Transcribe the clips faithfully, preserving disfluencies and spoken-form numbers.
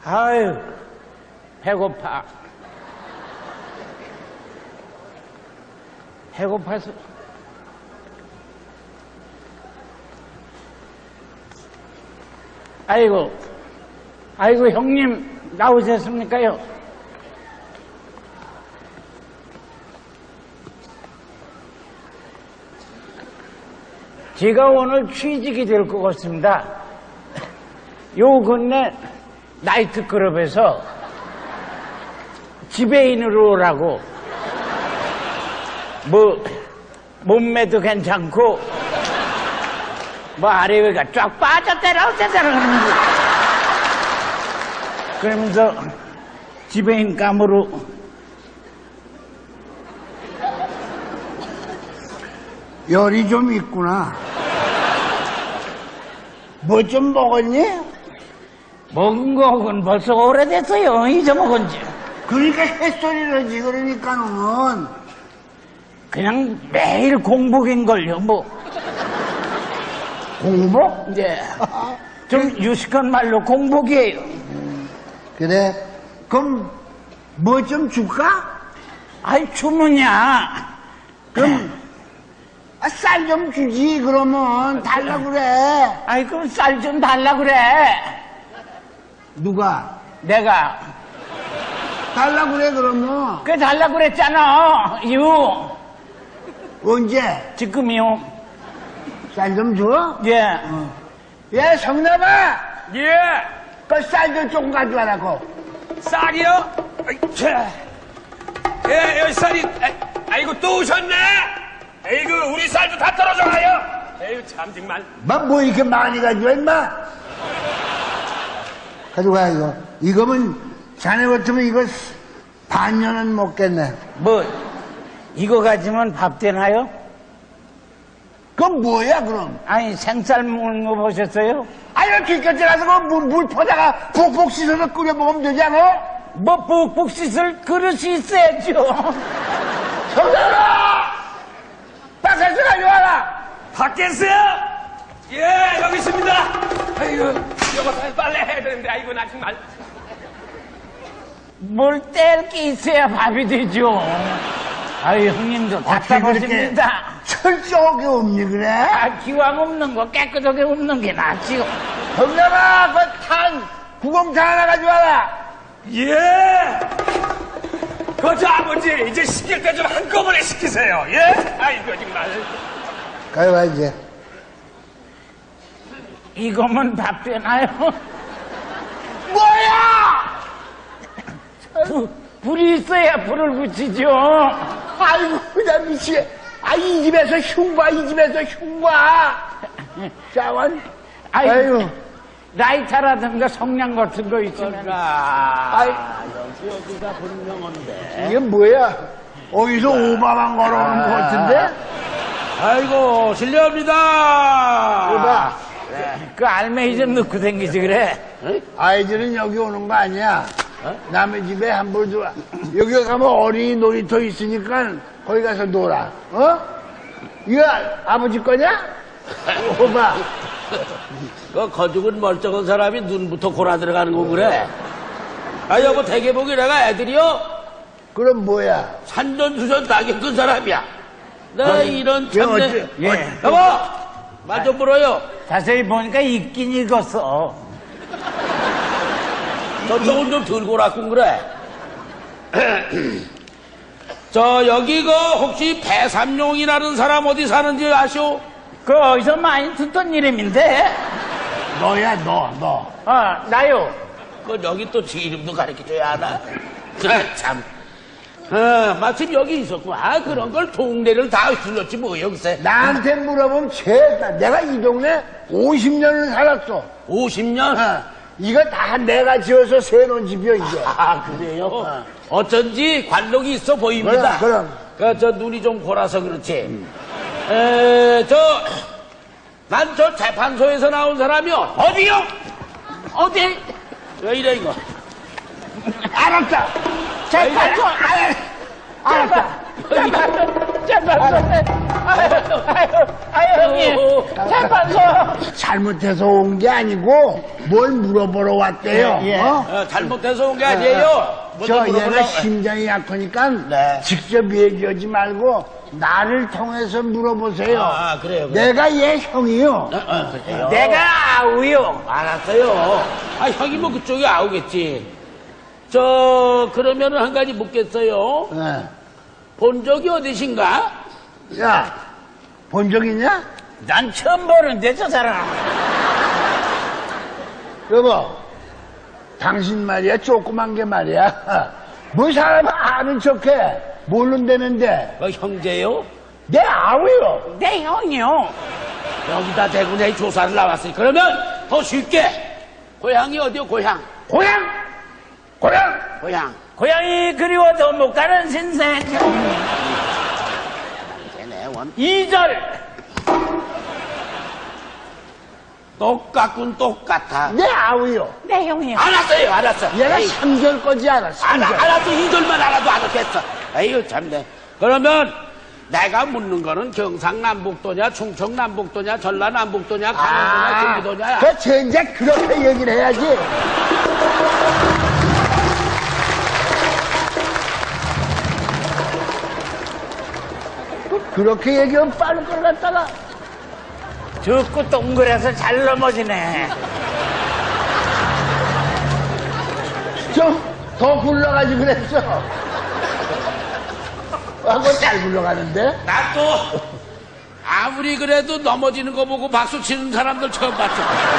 아유, 배고파. 배고파서. 아이고, 아이고, 형님, 나오셨습니까요? 제가 오늘 취직이 될 것 같습니다. 요 근래 나이트클럽에서 지배인으로 오라고. 뭐 몸매도 괜찮고 뭐 아래위가 쫙 빠졌다라 어쩌다라 그러면서 그러면서 지배인 감으로 열이 좀 있구나. 뭐 좀 먹었니? 먹은 거는 벌써 오래됐어요. 잊어먹은 지. 그러니까 햇소리를지. 그러니까는 그냥 매일 공복인걸요. 뭐 공복? 이제 좀 유식한 말로 공복이에요. 그래. 그럼 뭐 좀 줄까? 아이 주문이야. 그럼 아, 쌀 좀 주지. 그러면 달라 그래. 아이 그럼 쌀 좀 달라 그래. 누가? 내가 달라 그래. 그러면 그 달라 그랬잖아. 이유 언제? 지금이요. 쌀 좀 줘? 예. 어. 예, 성남아. 예, 그 쌀 좀 조금 가져와라고. 쌀이요? 아이, 자. 예, 여기 쌀이, 아, 아이고, 또 오셨네? 에이구, 우리 쌀도 다 떨어져가요. 에이구, 참, 정말. 뭐, 뭐 이렇게 많이 가져와, 임마? 가져가, 이거. 이거면 자네 같으면 이거 반년은 먹겠네. 뭐 이거 가지면 밥 되나요? 그건 뭐야, 그럼? 아니 생쌀 먹는 거 보셨어요? 아유, 뒷곁에 가서 그 물, 물 퍼다가 푹푹 씻어서 끓여 먹으면 되지 않아? 뭐 푹푹 씻을 그릇이 있어야죠. 성남아! 바깥에서 가져와라! 밖에서요? 예, 여기 있습니다. 아이고, 이거 빨래 해야 되는데, 아이고, 나 정말. 뭘 뗄 게 있어야 밥이 되죠. 아유 형님도 답답하십니다. 철저하게 없니, 그래? 아, 기왕 없는 거 깨끗하게 없는 게 낫지요. 성남아, 그 탄, 구공탄 하나 가져와라! 예! 그저 아버지, 이제 시킬 때 좀 한꺼번에 시키세요. 예? 아이고, 정말. 가져와, 이제. 이거면 밥 되나요? 뭐야! 불, 불이 있어야 불을 붙이죠. 아이고, 나 미치게. 아, 이 집에서 흉봐, 이 집에서 흉봐. 자원. 아이고, 아이고. 라이터라든가 성냥 같은 거 있으면. 아이, 여기가 분명한데. 이게 뭐야? 어디서 오바만 걸어오는 것 같은데? 아이고, 실례합니다. 오바. 그 알맹이 좀 넣고 댕기지 그래. 아이들은 여기 오는 거 아니야. 남의 집에 함부로 들어와. 여기 가면 어린이 놀이터 있으니까 거기 가서 놀아. 어? 이거 아버지 거냐? 오바. 그 거죽은 멀쩡한 사람이 눈부터 골아 들어가는 거 그래. 아 여보 대개보기 내가 애들이요 그럼 뭐야? 산전수전 다 겪은 사람이야. 나 이런 얘 참내. 어째- 예. 여보 말 좀 물어요. 자세히 보니까 익긴 익었어. 저쪽은 좀 덜 골았군 그래. 저 여기 그 혹시 배삼룡이라는 사람 어디 사는지 아시오? 그 어디서 많이 듣던 이름인데. 너야, 너, 너. 어, 나요. 그 여기 또 지 이름도 가르쳐줘야 하나? 아, 참. 아, 마침 여기 있었고, 아, 그런 걸 동네를 다 휘둘렀지 뭐, 여기서. 나한테 물어보면 죄다. 내가 이 동네 오십 년을 살았어. 오십 년? 어, 이거 다 내가 지어서 세놓은 집이야, 이게. 아, 그래요? 어쩐지 관록이 있어 보입니다. 그럼, 그, 저, 눈이 좀 골아서 그렇지. 에, 저, 난 저 재판소에서 나온 사람이요. 어디요? 어디? 왜 이래, 이거? 알았다. 재판소. 알았다. 재판소. 재판소. 재판소. 아유, 아유, 아유, 형님. 재판소. 잘못해서 온 게 아니고 뭘 물어보러 왔대요. 예, 예. 어? 어, 잘못해서 온 게 아니에요. 뭐 저 좀 얘가 물어보려고- 심장이 약하니까 네. 직접 얘기하지 말고 나를 통해서 물어보세요. 아, 그래요, 그래요. 내가 얘 형이요. 어, 어, 그래요. 내가 아우요. 알았어요. 아, 형이 뭐 그쪽에 아우겠지. 저, 그러면은 한 가지 묻겠어요. 예. 본 적이 어디신가? 야, 본 적 있냐? 난 처음 보는데, 저 사람. 여보, 당신 말이야, 조그만 게 말이야. 뭐 사람 아는 척해. 모른다는데. 뭐 형제요? 내 아우요. 내 형이요. 여기다 대구 내 조사를 나왔으니 그러면 더 쉽게 고향이 어디요? 고향. 고향! 고향! 고향. 고향이 그리워도 못 가는 신생. 걔네 원. 이 절. 똑같군 똑같아. 내 아우요. 내 형이요. 알았어요 알았어. 얘가 에이, 삼 절 거지 않아, 삼 알아, 절. 알았어 이 절만 알아도 알았겠어. 에이구 참네. 그러면 내가 묻는 거는 경상남북도냐 충청남북도냐 전라남북도냐 강원도냐 경기도냐. 그 젠장 그렇게 얘기를 해야지. 그렇게 얘기하면 빠를 걸 갖다가. 듣고 동그래서 잘 넘어지네. 좀 더 굴러가지 그랬어. 하고 잘 굴러가는데? 난 또 아무리 그래도 넘어지는 거 보고 박수 치는 사람들 처음 봤어.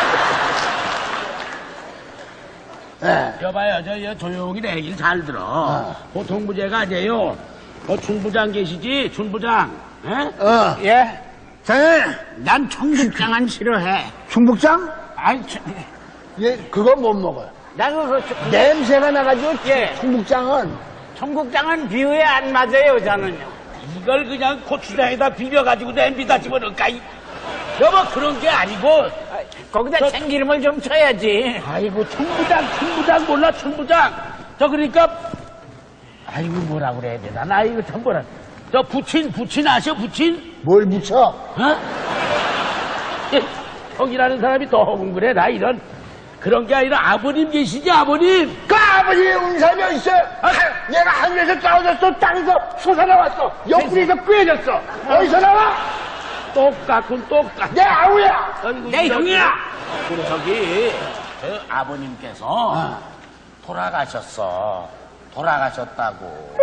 예. 여봐요, 저, 여 조용히 내 얘기를 잘 들어. 보통 부제가 아니에요. 어, 춘부장 계시지? 춘부장. 에? 어. 예? 자네, 난 청국장은 싫어해. 중북장? 아이, 저, 예, 그거 못 먹어요. 나 그거, 저, 냄새가 나가지고, 예. 중북장은. 청국장은 비유에 안 맞아요, 저는요. 이걸 그냥 고추장에다 비벼가지고 냄비다 집어넣을까? 이- 여보, 그런 게 아니고. 거기다 저- 참기름을 좀 쳐야지. 아이고, 춘부장, 춘부장 몰라, 춘부장. 저, 그러니까. 아이고, 뭐라 그래야 되나? 나 이거 참 뭐라. 저, 부친, 부친 아셔, 부친? 뭘 붙여? 어? 예, 형이라는 사람이 더 허군그래. 나 이런 그런 게 아니라 아버님 계시지 아버님. 그 아버지의 운사며 있어. 아, 얘가 하늘에서 떨어졌어. 땅에서 솟아나왔어. 옆구리에서 꿰졌어. 어디서 나와? 똑같군 똑같. 내 아우야. 아이고, 내 이 형이야. 우리 저기 저 아버님께서 돌아가셨어. 돌아가셨다고.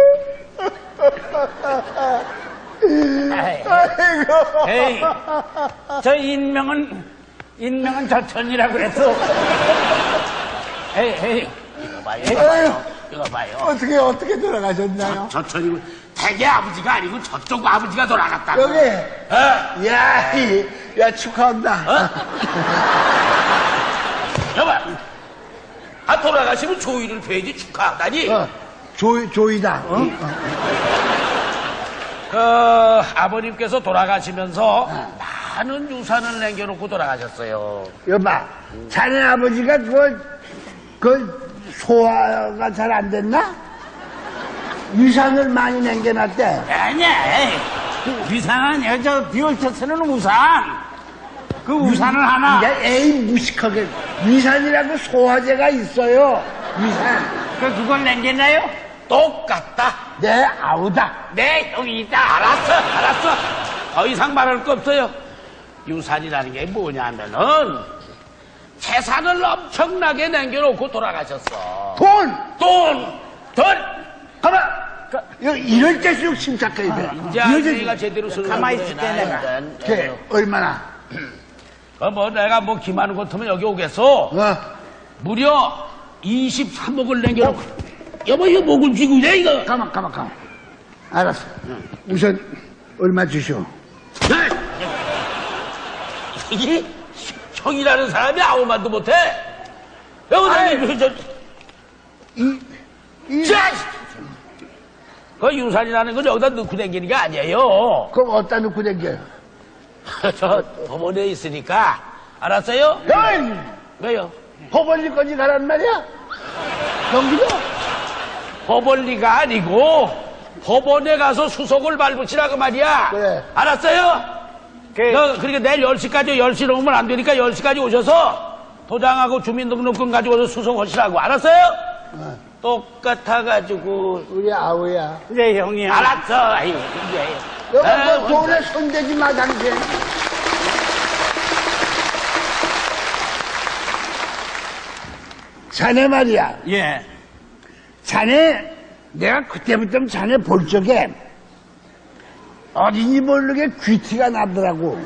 아이고. 에이, 저 인명은, 인명은 저천이라 그랬어. 에이, 에이. 이거 봐요. 이거 봐요. 이거 봐요. 어떻게, 어떻게 돌아가셨나요? 저천이고 대개 아버지가 아니고 저쪽 아버지가 돌아갔다고. 여기. 어? 야, 이, 야, 축하한다. 여보. 아 돌아가시면 조이를 뵈지 축하하다니. 어, 조, 조이다. 어? 그 아버님께서 돌아가시면서 많은 유산을 남겨놓고 돌아가셨어요. 여봐, 자네 아버지가 그, 그, 소화가 잘 안 됐나? 유산을 많이 남겨놨대. 아니야, 에이. 그 위산은 여저 비올터 쓰는 우산. 그 우산을 하나. 야, 에이, 무식하게. 위산이라고 소화제가 있어요. 위산. 그, 그걸 남겼나요? 똑같다. 내 아우다. 내 형이 있다. 알았어, 알았어. 더 이상 말할 거 없어요. 유산이라는 게 뭐냐면은 재산을 엄청나게 남겨놓고 돌아가셨어. 돈! 돈, 돈. 가만! 이- 이럴 때일수록 침착해야 돼. 이제 이럴 때일수록- 아저씨가 제대로 쓰는 가만히 있을게, 내가. 걔, 얼마나? 어, 뭐 내가 뭐 기만한 것 같으면 여기 오겠어. 어? 무려 이십삼억을 남겨놓고. 여보 이거 목을 쥐고 이래 이거. 가만, 가만, 가만. 알았어. 우선, 얼마 주시오. 이게 형이라는 사람이 아무 말도 못해. 여보 저, 이, 이, 자, 그 유산이라는 건 여기다 넣고 다니는 게 아니에요. 그럼 어디다 놓고 댕겨요? 저 법원에 있으니까 알았어요? 야! 왜요? 허벌리까지 가란 말이야? 경기도? 법원리가 아니고 법원에 가서 수속을 밟으시라 그 말이야. 그래. 알았어요? 그, 너 그러니까 내일 열 시까지 열 시 넘으면 안 되니까 열 시까지 오셔서 도장하고 주민등록금 가지고서 수속하시라고. 알았어요? 어. 똑같아가지고. 우리 아우야. 그래, 형님. 알았어. 아이고, 이제. 너가 아, 뭐 돈에 손대지 마, 당신. 자네 말이야. 예. 자네, 내가 그때부터 자네 볼 적에 어딘지 모르게 귀티가 나더라고.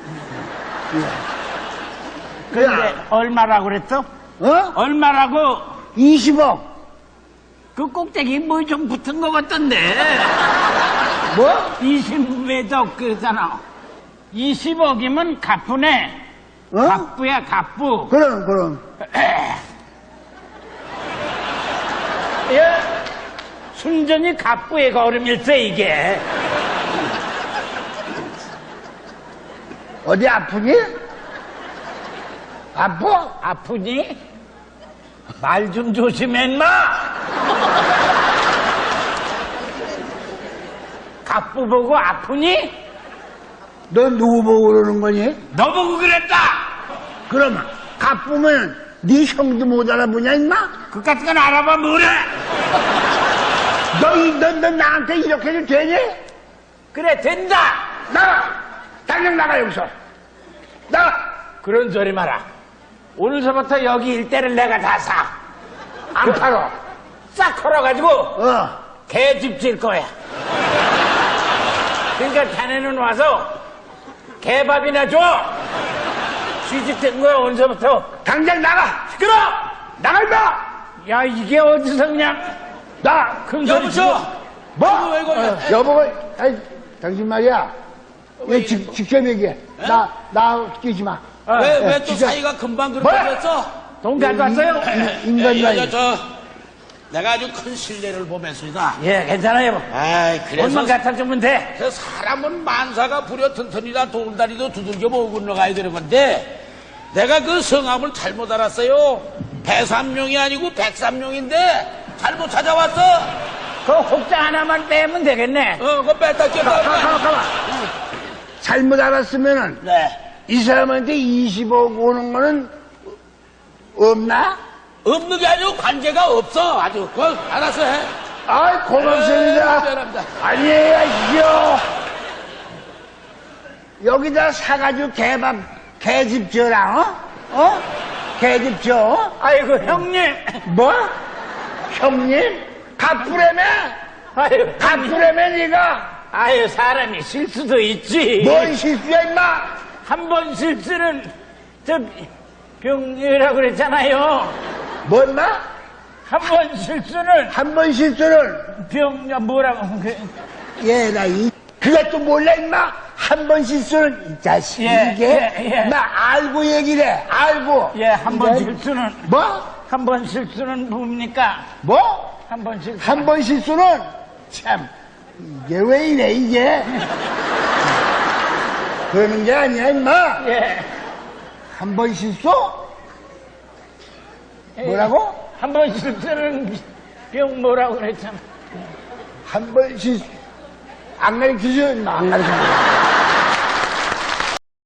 근데 얼마라고 그랬어? 어? 얼마라고? 이십억. 그 꼭대기 뭐 좀 붙은 것 같던데. 뭐? 이십에도 그잖아. 이십억이면 갑부네. 어? 갑부야, 갑부. 그럼, 그럼. 예. 순전히 갑부의 걸음일세, 이게. 어디 아프니? 아파? 아프니? 말 좀 조심해, 인마! 갑부 보고 아프니? 너 누구 보고 그러는 거니? 너 보고 그랬다! 그럼, 가쁘면 네 형도 못 알아보냐, 임마? 그 같은 건 알아봐, 뭐래? 너, 이- 너, 너 나한테 이렇게 해도 되니? 그래, 된다! 나가! 당장 나가, 여기서! 나가! 그런 소리 마라. 오늘서부터 여기 일대를 내가 다 사. 안 팔어. 싹 털어가지고 어. 개집 질 거야. 그러니까 자네는 와서 개밥이나 줘. 취직된 거야, 오늘서부터. 당장 나가! 시끄러! 나가, 임마! 야, 이게 어디서 그냥 나! 큰 소리 여보시오! 치고. 뭐? 왜 그래? 어, 여보가, 아이, 당신 말이야. 얘 직, 직접 얘기해. 나, 나 끼지 마. 왜, 예, 왜 또 진짜. 사이가 금방 그렇게 뭐야? 됐어? 돈 가져왔어요? 인간 예, 말이야. 예, 저, 내가 아주 큰 신뢰를 보냈습니다. 예, 괜찮아요. 아이, 그래서 돈만 갖다 주면 돼. 그 사람은 만사가 부려 튼튼이라 돌다리도 두들겨 모으고 건너가야 되는 건데 내가 그 성함을 잘못 알았어요. 배삼룡이 아니고 백삼룡인데 잘못 찾아왔어. 그 혹자 하나만 빼면 되겠네. 어, 그거 뺐다 가, 가, 꼈다. 가, 가. 잘못 알았으면은, 네. 이 사람한테 이십억 오는 거는 없나? 없는 게 아니고 관계가 없어. 아주. 그거 알아서 해. 아이, 고맙습니다. 네, 미안합니다. 아니에요, 이요. 여기다 사가지고 개밥, 개집 져라, 어? 어? 개집 져? 아이고, 형님. 뭐? 형님? 갑부라며? 아유, 갑부라며, 니가? 아유, 사람이 실수도 있지. 뭔 실수야, 임마? 한 번 실수는 저 병이라고 그랬잖아요. 뭐, 임마? 한 번 실수는 한 번 실수를, 병 뭐라고 그, 얘, 나 이, 그것도 몰라, 임마? 한 번 실수는, 이 자식, 예, 이게? 예, 예. 나 알고 얘기를 해, 알고. 예, 한 번 예? 실수는 뭐? 한 번 실수는 뭡니까? 뭐? 한 번 실수. 한 번 실수는, 참, 이게 왜 이래, 이게? 그러는 게 아니야, 임마. 예. 한 번 실수? 뭐라고? 한 번 실수는 병 뭐라고 그랬잖아. 한 번 실수. 안 가르쳐줘, 임마, 안 가르쳐줘.